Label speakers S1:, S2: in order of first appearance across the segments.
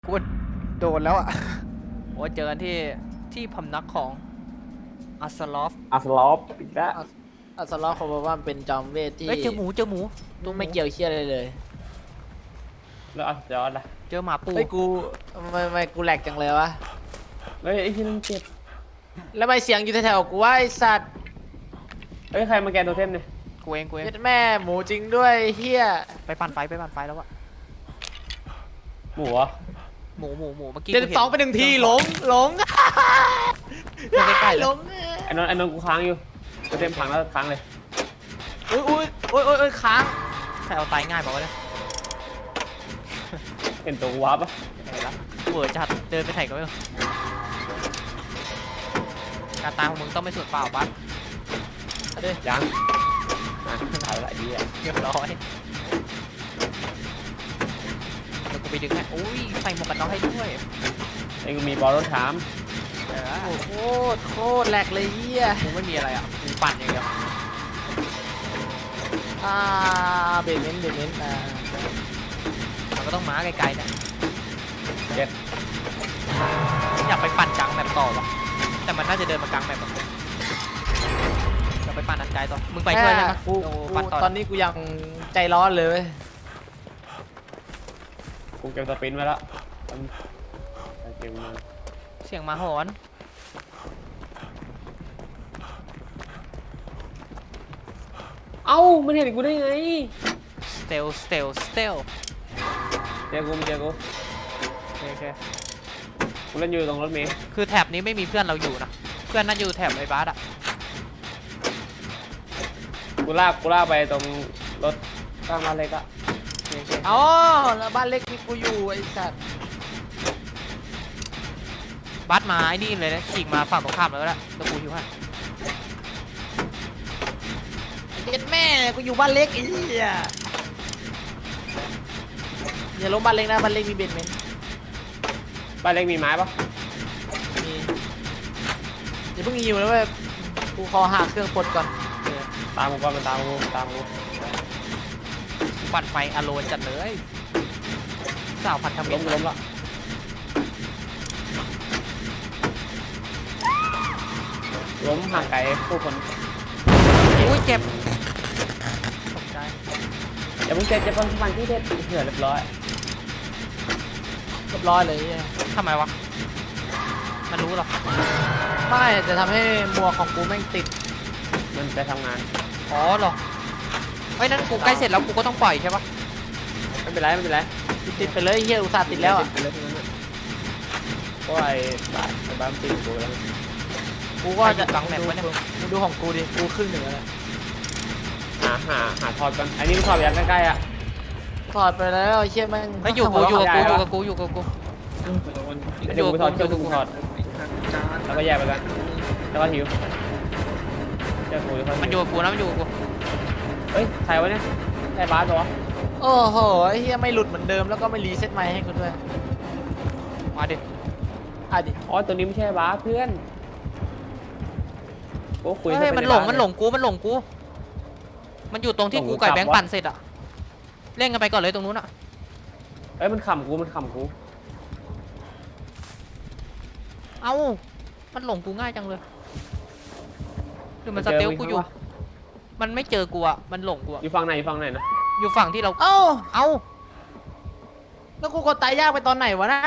S1: กูโดนแล้วอ่ะโอ้เจอกันที่พำนักของอัสลอฟ
S2: อีกแล้ว
S3: อัสลอฟเขาบอกว่ามันเป็นจอมเวทที่
S1: เจอหมู
S3: ต้องไม่เกี่ยวเชี่ยอะไรเลย
S2: แล้วอัสยอดล่ะ
S1: เจอหมาปู
S3: เฮ้ยกูไม่กูแหลกจังเลยวะ
S2: เฮ้ยไอ้ที่นั่นเจ็บ
S3: แล้วไม่เสียงอยู่แถวๆกูว่าไอสัตว์
S2: เฮ้ยใครมาแกนโทเทมเนี่ย
S1: กูเอง
S3: เฮ็ดแม่หมูจริงด้วยเฮีย
S1: ไปปั่นไฟแล้ววะ
S2: หมูเหรอ
S1: หมูเมื่อกี้
S3: 72ไป1 ทีหลง
S1: ใกล้ๆ
S3: หลง
S2: ไอ้นนท์กูค้างอยู่โทเทมพังแล้วค้างเลย
S3: อุ้ยค้าง
S1: ใครเอาตายง่ายบอกว่าเนี่ย
S2: เห็นตัวกูวับปะ
S1: ไหนละเวอร์จัดเดินไปไหนก็ไม่รู้การตายของมึงต้องไม่สุดเปล่าบัส
S2: ยังถ่ายอะไรดีอ่ะ
S1: เรียบร้อยเดี๋ยวกูไปดึงให้อุ้ยใส่หมวกกันน็อกให้ด้วย
S2: ไอ้กูมีบอลรถถาม
S3: โอ้โคตรแหลกเลยเฮีย
S1: กูไม่มีอะไรอ่ะกูปั่นอย่างเดียว
S3: เบรเมน
S1: มันก็ต้องม้าไกลๆนะ
S2: เจ็ด
S1: อยากไปปั่นกลางแบบต่อวะแต่มันน่าจะเดินมากลางแบบจะไปปั่นอันไกลต่อมึงไปช่วยได้ไหม
S3: กูตอนนี้กูยังใจร้อนเลย
S2: กูเก็บสปินไว้แล้วเก็บมา
S1: เสียงมาหอน
S2: เอ้ามันเห็นกูได้ไง
S1: สเตล
S2: เจอกูโอเคกูเล่นอยู่ตรงรถเมล์
S1: คือแถบนี้ไม่มีเพื่อนเราอยู่นะเพื่อนน่าอยู่แถบไอ้บาสอะ
S2: กูลากไปตรงรถข้างบ้านเล็กอะ
S3: อ๋อแล้วบ้านเล็กมีกูอยู่ไอ้สัตว์
S1: บาสมาไอ้นี่เลยนะฉีกมาฝั่งตรงข้ามแล้วแหละแล้วกูอยู่ให้
S3: เด็ดแม่กูอยู่บ้านเล็กไอ้เหี้ยอย่าล้มบ้านเล็กนะบ้านเล็กมีเบนเมนต์
S2: บ้านเล็กมีไม้ปะ
S3: มีอย่าเพิ่งยิวนะเว้ยกูขอหาเครื่องปลดก่อน
S2: ตามกูก่อนมันตามกู
S1: ปั่นไฟอโลนจัดเลยสาวพันธมิตร
S2: ล้มละล้มห่างไกลผู้คน
S1: อุ้ยเจ็บตกใจ
S2: อย่าเพิ่งเจ็บจะพังมันที่เด็ดเถื่อนเรียบร้อย
S3: เลย
S1: ทำไมวะมันรู้หรอ
S3: ไม่จะทำให้มัวของกูแม่งติด
S2: มันไปทำงาน
S1: อ๋อหรอเฮ้ยนั่นกูใกล้เสร็จแล้วกูก็ต้องปล่อยใช่ปะ
S2: ไม่เป็นไร
S3: ติดไปเลยเฮียอุตส่าห์ติดแล้วอ่ะ
S2: เพราะไอ้บ้านติดกูแล้ว
S3: กูก็จะกังแมปไว้เนี่ยมึงดูของกูดิกูครึ่งหนึ่งแล้ว
S2: หาถอดกันอันนี้มันถอดอย่างใกล้ๆอ่ะ
S3: ถอดไปแล้วเชี่ยแม่ง
S1: ไม่อยู่กับกูแล้วก็
S2: แยกไปกันแล้วก็หิว
S1: มันอยู่กับกูนะมันอยู่กับกู
S2: เฮ้ยใครวะเนี่ยไอ้บาสเหรอ
S3: โอ้โหไอ้เฮียไม่หลุดเหมือนเดิมแล้วก็ไม่รีเซ็ตไมค์ให้กูด้วย
S1: มาดิ
S2: อ๋อตัวนี้ไม่ใช่บาสเพื่อนโอ้คุย
S1: มันหลงกูมันอยู่ตรงที่กูไก่แบงค์ปั่นเสร็จอะเล่นกันไปก่อนเลยตรงนู้นอะ
S2: เอ้ยมันขำกู
S1: เอ้ามันหลงกูง่ายจังเลยหรือมันสเตลกูอยู่มันไม่เจอกูอะมันหลงกู
S2: อยู่ฝั่งไหนนะ
S1: อยู่ฝั่งที่เรา
S3: เอ้า
S1: แ
S3: ล้วกูกดตายยากไปตอนไหนวะนะ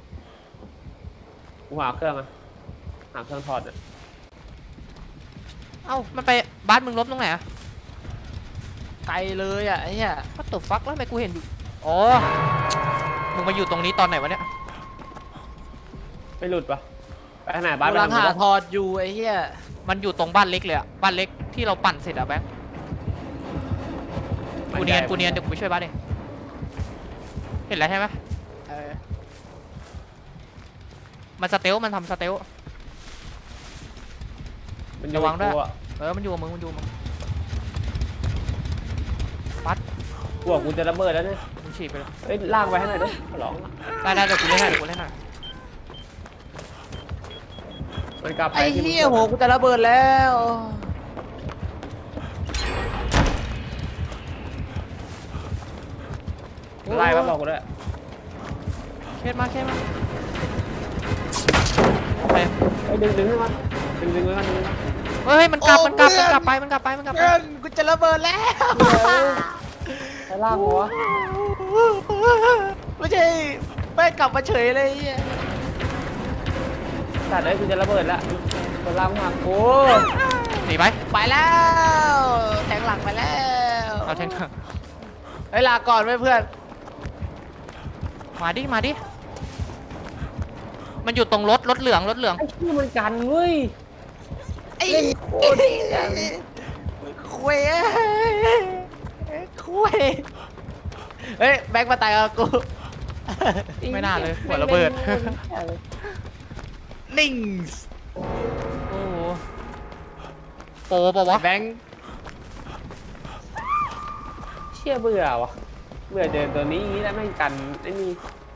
S2: กูหาเครื่องถอดอะ
S1: เอ้ามันไปบ้านมึงลบตรงไหนอะ
S3: ไกลเลยอะไอ้เหี้ย
S1: ก็ตกฟักแล้วทำไมกูเห็นอยู่อ๋อมึงมาอยู่ตรงนี้ตอนไหนวะเนี่ย
S2: ไม่หลุดปะไปขนาดบ้าน
S3: กำลังหาถอดอยู่ไอ้เหี้ย
S1: มันอยู่ตรงบ้านเล็กเลยอะบ้านเล็กที่เราปั่นเสร็จอะแบงค์กูเนียนเดี๋ยวกูไปช่วยบ้านเองเห็นแล้วใช่ไหมมันสเตลมันทำสเตลระวังด้วยมันอยู่กับมึงปัด
S2: พวกกูจะระเบิดแล้วเนี่ย
S1: มึงฉีดไปเลย
S2: เฮ้ยลากไปให้หน่อยด้วยขอร้อง
S1: ได้เดี๋ยวกูเล่นให้
S2: มันกลับไป
S3: ไอ้เหี้ยโหกูจะระเบิดแล้ว
S2: ไล่มาบอกกูด้วย
S1: โอเคมาเคสมาโอเค
S2: ไอ้ดึงให้มันดึงไว้มันดึงไว้มัน
S1: เฮ้ยมันกลับมันกลับไป
S3: เพื่อนกูจะระเบิดแล้ว
S2: ไอ้ล่างหัว
S3: ไม่ใช่ไม่กลับมาเฉยเลยไอ้เหี้ย
S2: สัตว์เลยกูจะระเบิดละตัวล่างหักโอ้
S1: หนีไป
S3: ไปแล้วแทงหลังไปแล้ว
S1: เอาแทง
S3: เฮ้ยลาก่อนไว้เพื่อน
S1: มาดิมันอยู่ตรงรถเหลือง
S2: ไอ้ชื่อมันกันเว้ย
S3: ไอ้
S2: เล่นโคตรดีอะ
S3: คุยคุยเฮ้ยแบงค์มาตายกับกู
S1: ไม่น่าเลยหัวระเบิด
S3: นิ่ง
S1: โอ้โหโปรเปล่าวะ
S3: แบงค์
S2: เชี่ยเบื่อวะเบื่อเจอตัวนี้อย่างนี้แล้วแม่งกันไอ้นี่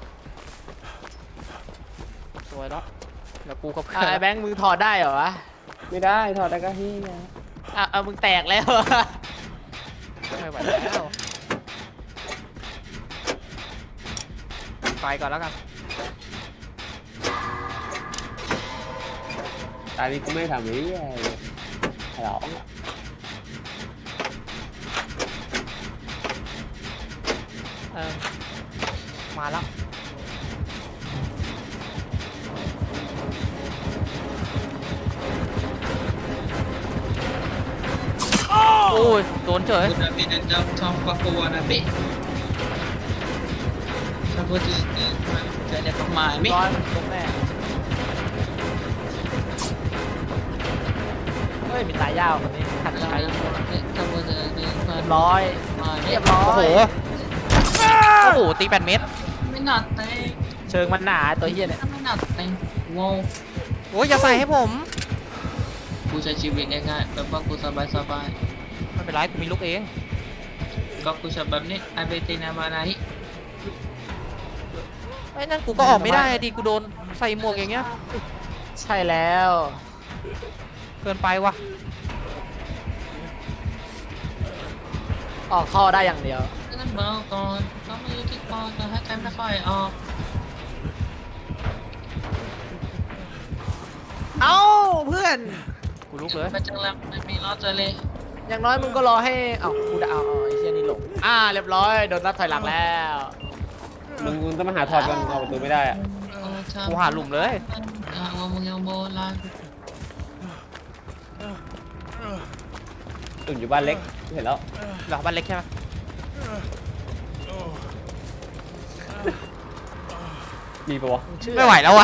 S1: สวยแล้วแล้วกูก็เพื่
S3: ไอ้แบงค์มึงถอดได้เหรอวะ
S2: ไม่ได้ถอดได้ก็ที่
S3: เอามึงแตกแล้ว
S1: ไม่ไหวแล้วไปก่อนแล้วกัน
S2: ตอนนี้กูไม่ทำอะไรเลยหรอ
S1: มาแล้วโอ้ยโดนเฉย
S4: Udah beda jam sama kawan abe. Sabut ini gak ada pemain.
S3: ร้อยมันล้มแน่เฮ้ยมีตายยาวคนนี้ขัดใช้
S4: Sabut ini
S3: เรียบร้อยเรียบร้อ
S1: โอ้โห
S3: ย
S1: โอ้โหตี8 เมตร
S4: Minate.
S3: เชิงมันหนาตัวเฮียเนี่ย
S4: Minate. Wow.
S1: โอ้ยอย่าใส่ให้ผม
S4: Ku saya cibik kan. Bapak ku sabar-sabar.
S1: ไม่เป็นไรกูมีลูกเอง
S4: Kau ku sabab ni ABT nama naik.
S1: ไอ้นั่นกูก็ออกไม่ได้ดิกูโดนใส่หมวกอย่างเงี้ย
S3: ใช่แล้ว
S1: เกินไปวะ
S3: ออกเข้าได้อย่างเดียว
S4: Jangan bau kon. Kamu yuki kon. Nah, kan tak kau off.
S3: เอ้าเพื่อน
S1: กูลุกเลย
S4: Macam lam mi lot le.
S3: อย่างน้อยมึงก็รอให้เอ้ากูจะเอาไอ้เชี่ยนี่หลงเรียบร้อยโดนนับถอยหลังแล้ว
S2: มึงต้องมาหาถอดกันเอาประตูไม่ได้อะ
S1: กูหาหลุมเลย
S4: Ngomong yang bola.
S2: ตุ่นอยู่บ้านเล็กเห็นแล้ว
S1: เหรอบ้านเล็กใช่ไหม
S2: มีปะวะ
S1: ไม่ไหวแล้ววะ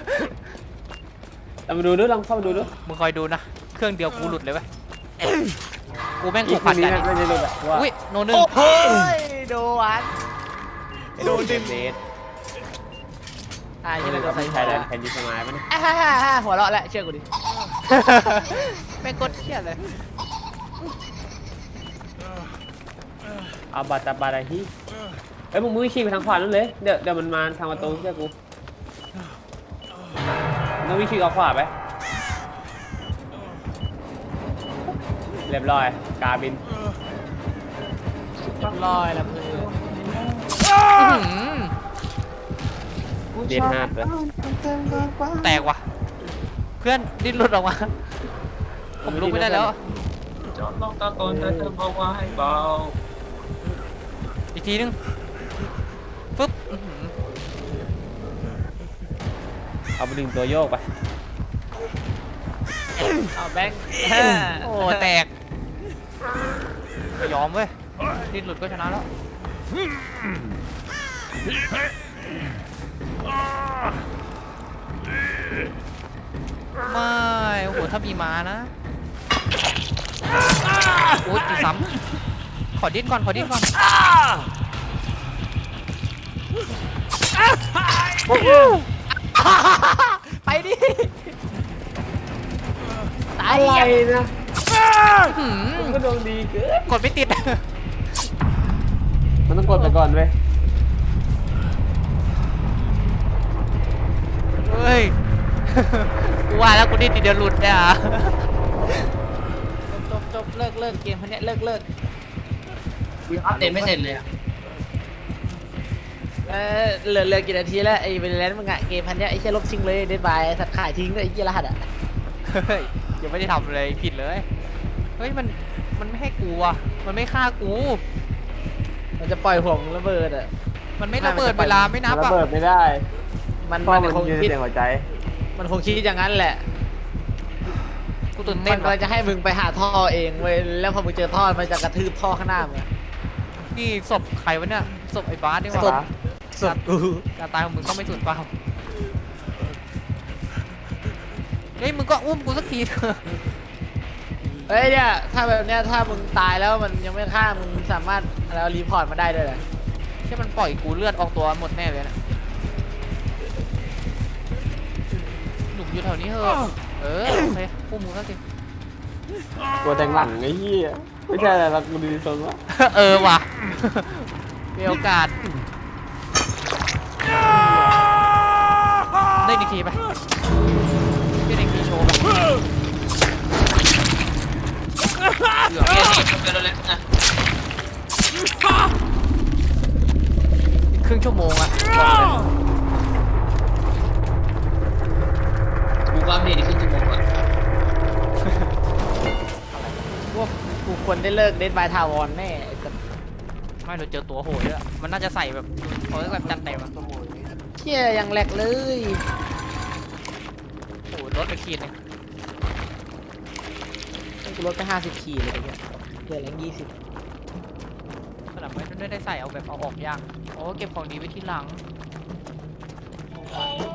S2: เอามาดูด้วยลองเข้ามาดูด้วย
S1: มึงคอยดูนะ เครื่องเดียวกูหลุดเลยเว้ยกูแม่ง
S2: อี
S1: ถู
S2: ก
S1: ก
S2: ค
S1: ผั
S2: น
S1: ด
S2: นี้
S1: กัน
S2: น่าจะรู้แบบว่า
S1: อุ้ยโนหนึ่ง
S3: โอ้โหโดนวันโดนดึง
S2: เบส
S3: ยังไงโดนใส่
S2: ไทยแลนด์แคนดี้สมายมัน
S3: หัวเราะแล้วเชื่อกูดิ
S1: แม่งกดเครียดเลย
S2: เอาบาตาบาราฮีเอ้ยมึงมือขี่ไปทางขวานั่นเลยเดี๋ยวมันมาทางประตูเชื่อกูมึงวิ่งขี่ออกขวาไปเรียบร้อยกาบิน
S3: เรียบร้อยแล้วเพื่อน
S1: อื้อหือ
S2: เดียนฮาร์ดเลย
S1: แตกว่ะ เพื่อนดิ้นหลุดออกมา ผมลุกไม่ได้แล้ว
S4: Chọn lọc ta còn ta thơm bao qua hay bao.
S1: อีกทีนึงฟึบอื้อหือ
S2: เอาไปดึงตัวโยกไป
S3: เอาแบงค์
S1: โอ้แตกไม่ยอมเว้ยดิ้นหลุดก็ชนะแล้วไม่โอ้โหถ้ามีม้านะโอ้ยตีซ้ำขอดิ้นก่อน
S3: ไปดิตาย
S2: อะไรนะ
S1: อื้อ
S2: มึง
S1: หื
S2: ก็
S1: อ
S2: ดวงดีเกิน
S1: กดไม่ติด
S2: มันต้องกดไปก่อนเว้ย
S1: เฮ้ย กูว่าแล้วกูดิ้นทีเดียวหลุดเนี่ย
S3: จบเลิกเกมพันนี้เลิก
S4: Update ไม่เสร็จเลยอะ
S3: เหลือกี่นาทีแล้วไอ้เวลเลนมึงอะเกมพันเนี้ยไอ้เชี่ยลบทิ้งเลยเดดบายสัตว์ขายทิ้งเลยไอ้เชี่ยรหัสอะ
S1: เฮ้ยยังไม่ได้ทำอะไรผิดเลยเฮ้ยมันไม่ให้กูอ่ะมันไม่ฆ่ากู
S3: มันจะปล่อยห่วงระเบิดอะ
S1: มันไม่ระเบิดเวลาไม่นับ
S2: ระ
S1: อ่ะ
S2: เบิดไม่ได้
S3: มัน
S2: เพราะมัน
S3: คง
S2: ยืน
S3: คิด
S2: เสียงหัวใจ
S3: มันคงคิดอย่างนั้นแหละ
S1: กูตื่น
S3: มั
S1: เต้น
S3: นกำลังจะให้มึงไปหาท่อเองเว้ยแล้วพอมึงเจอท่อมันจะกระทืบท่อข้างหน้ามึงอะ
S1: นี่ศพใครวะเนี่ยศพไอ้บาสนี่ห
S3: ศ
S1: ว่า
S3: พ ศพกู
S1: การตายของมึงก็ไม่สุดเปล่าเฮ้ยมึงก็อุ้มกูสักทีเถอะ
S3: เฮ้ยเนี่ยถ้าแบบเนี้ยถ้ามึงตายแล้วมันยังไม่ฆ่ามึงสามารถแล้วรีพอร์ตมาได้ด้วยเหรอ
S1: ใช่มันปล่อยกูเลือดออกตัวหมดแน่เลยนะหนุ่มอยู่แถวนี้เหอะโอเคอุ้มมึงสักที
S2: ตัวแทงหลังไอ้เหี้ยไม่ใช่อะไรหรอกกูดีทรงวะ
S1: ว่ะมีโอกาสได้อีกทีไปได้อีกทีโชว์ไป
S4: เดี๋ยวนี่จบกันแล้วแหละอ่ะ
S1: ครึ่งชั่วโมงอะ
S4: กูก็อัปเดตอีกครึ่งชั่วโมงอ่ะ
S3: ว่ากูควรได้เลิกเดดบายทาวอนแน่ไอ้สัส
S1: ไม่เราเจอตัวโหดด้วยอะมันน่าจะใส่แบบเขาเรียกแบบจัดเต็มอะ
S3: เชี่ยยังแหลกเลย
S1: โอ้โหรถไปขีดเลย
S3: กูลดไป50 ขีดเลยเนี่ยเหลือแรง20
S1: ขนาดไม่ได้ใส่เอาแบบเอาออกยากโอ้เก็บของดีไว้ที่หลัง